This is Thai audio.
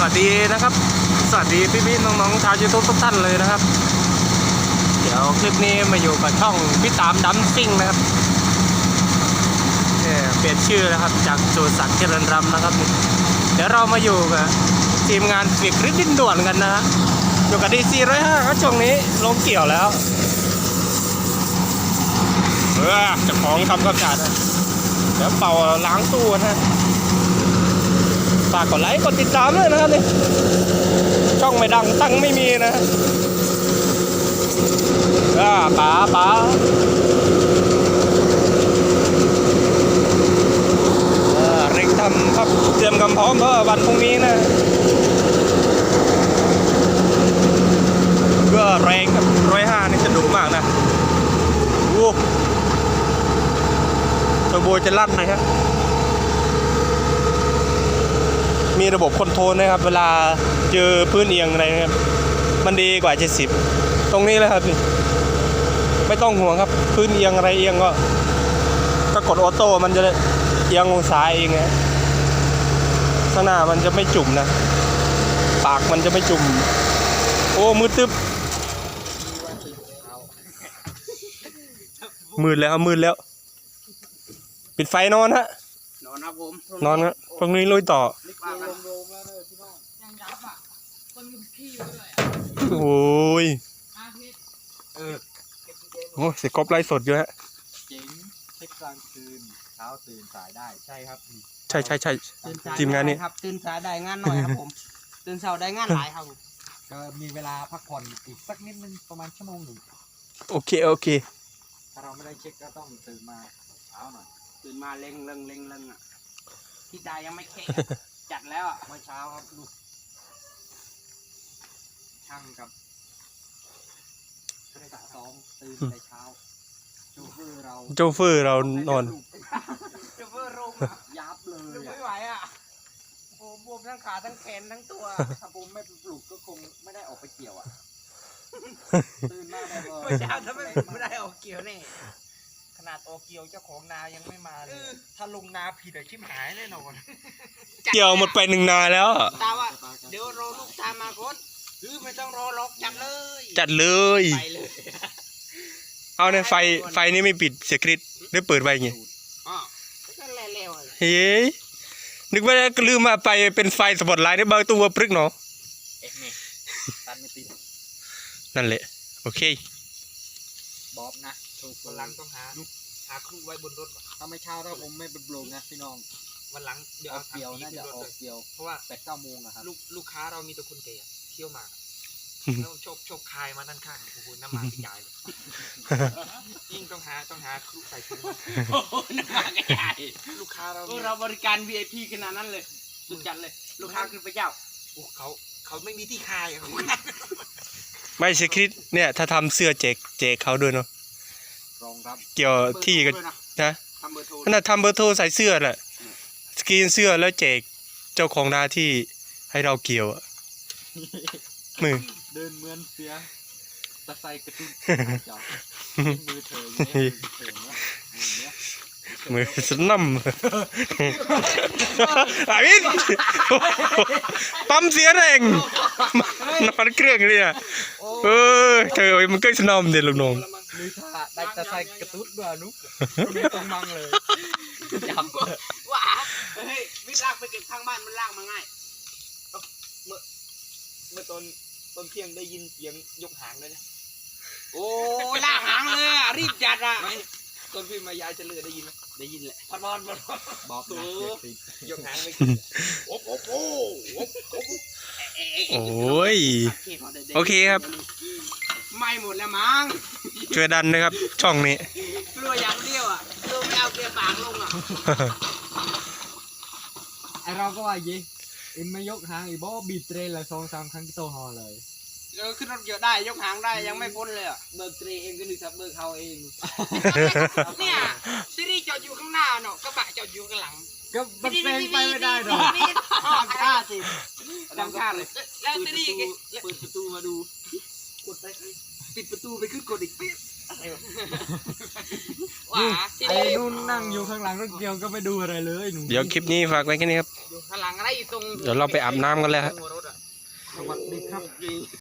วัสดีนะครับสวัสดีพี่ๆน้องๆชาวยูทูบทุกท่านเลยนะครับเดี๋ยวคลิปนี้มาอยู่กับช่องพี่ตามดัมซิ่งนะครับเปลี่ยนชื่อนะครับจากโจสักเจริญรำนะครับเดี๋ยวเรามาอยู่กับทีมงานฝีกริดดินด่วนกันนะฮะอยู่กับDC105ครับช่วงนี้ลงเกี่ยวแล้วเจ้าของทำความสะอาดเดี๋ยวเป่าล้างตู้นะฝากกดไลค์กดติดตามด้วยนะครับนี่ช่องไม่ดังตั้งไม่มีนะป๋าเร่งทำครับเตรียมความพร้อมเพื่อวันพรุ่งนี้นะก็แรงครับ105นี่จะดุมากนะโอ้ตัวโบจะลั่นนะครับมีระบบคอนโทรลนะครับเวลาเจอพื้นเอียงอะไรนะครับมันดีกว่า70ตรงนี้เลยครับนี่ไม่ต้องห่วงครับพื้นเอียงอะไรเอียงก็กดออโต้มันจะเอียงองศาเองนะข้างหน้ามันจะไม่จุ่มนะปากมันจะไม่จุ่มโอ้มืดตึ๊บมืดแล้วปิดไฟนอนฮะนอนครับผมนอนครับพรุ่งนี้ลุยต่อโอ้ยโอ้เสียกบไล่สดอยู่ฮะเจ๋งเช็คกลางคืนเช้าตื่นสายได้ใช่ครับใช่ทีมงานนี้ครับตื่นสายได้งานหน่อยครับผมตื่นเช้าได้งานหลายครับก็มีเวลาพักผ่อนอีกสักนิดนึงประมาณชั่วโมงหนึ่งโอเคถ้าเราไม่ได้เช็คก็ต้องตื่นมาเช้าหน่อยตื่นมาเร่งอ่ะที่ดายังไม่เช็คจัดแล้วอ่ะเมื่อเช้าครับลูกช่างกับสองตื่นแต่เช้าโจเฟอร์เรานอนโจเฟอร์เรายับเลยไม่ไหวอ่ะโอ้บวมทั้งขาทั้งแขนทั้งตัวถ้าผมไม่ปลุกก็คงไม่ได้ออกไปเกี่ยวอ่ะตื่นมาได้เลยเมื่อเช้าถ้าไม่ได้ออกเกี่ยวแน่ขนาดออกเกี่ยวเจ้าของนายังไม่มาเลยถ้าลงนาผิดชิบหายแน่นอนเกี่ยวหมดไป1 นาแล้วตาว่าเดี๋ยวรอลูกตามมาก่อนไม่ต้องรอล็อกจัดเลยไปเลยเอาในไฟนี่ไม่ปิดเสียกริดได้เปิดไว้ไงอ๋อก็เร็วเฮ้ยนึกว่าลืมมาไปเป็นไฟสปอตไลท์ได้เบาตัวปรึกเนาะตันไม่ติดนั่นแหละโอเคบอบนะวันหลังต้องหาครูไว้บนรถถ้าไม่เช้าถ้าผมไม่เป็นโบงนะพี่น้องวันหลังเดี๋ยวเอาเกี่ยวน่าจะออกเกี่ยวเพราะว่า8-9 โมงนะครับลูกค้าเรามีแต่คนแก่เที่ยวมาแล้วโชคคายมาด้านข้างโอ้โหน้ำมันกระจายเลยยิ่งต้องหาครูใส่ถุงน้ำมันกระจายลูกค้าเราบริการ VIP ขนาดนั้นเลยสุดจัดเลยลูกค้าคือพระเจ้าโอ้เขาไม่มีที่คายไม่เสียกริดเนี่ยถ้าทำเสื้อแจกเขาด้วยเนาะรองรับเกี่ยวที่กันนะขนาดทำเบอร์โทรใส่เสื้อแหละสกรีนเสื้อแล้วแจกเจ้าของนาที่ให้เราเกี่ยวมือเดินเหมือนเสียตะไซกระตุ้นมือเธอมือสนั่มอาวินปั๊มเสียแรงนอนเครื่องเลยอ่ะเธอมันก็สนั่มเด็ดลงนองมือท่าได้ตะไซกระตุ้นบ้านุ๊กไม่ต้องมั่งเลยจับว้าเฮ้ยวิลากไปเก็บข้างบ้านมันลากมาง่ายเมื่อตอนเที่ยงได้ยินเสียงยกหางเลยนะโอ้ลากหางเลยอ่ะรีบจัดอ่ะตอนพี่มายายจะเลือได้ยินไหมได้ยินแหละพัดบอลบอกตัวยกหางไม่ขึ้นโอ้ยโอเคครับไม่หมดแล้วมั้งช่วยดันนะครับช่องนี้กลัวอย่างเดียวอ่ะกลัวไม่เอาเกลียปากลงอ่ะไอเราก็ว่ายี่อินไม่ยกหางอีบอบีเทรนเลย2-3 ครั้งที่โตฮอเลยขึ้นรถเยอะได้ยกหางได้ยังไม่พ้นเลยอ่ะเบิกเทรเองก็นึกถึงเบิกเขาเองเนี่ยซีรีส์จอดอยู่ข้างหน้าเนาะกระบะจอดอยู่ข้างหลังก็มันเป็นไปไม่ได้หรอกจำท่าสิจำท่าเลยแล้วซีรีส์เปิดประตูมาดูกดไปปิดประตูไปขึ้นกดอีกปิ๊บไอ้นุ่นนั่งอยู่ข้างหลังรถเกี่ยวก็ไม่ดูอะไรเลยเดี๋ยวคลิปนี้ฝากไว้แค่นี้ครับข้างหลังอะไรอยู่ตรงเดี๋ยวเราไปอาบน้ำกันแล้วสวัสดีครับ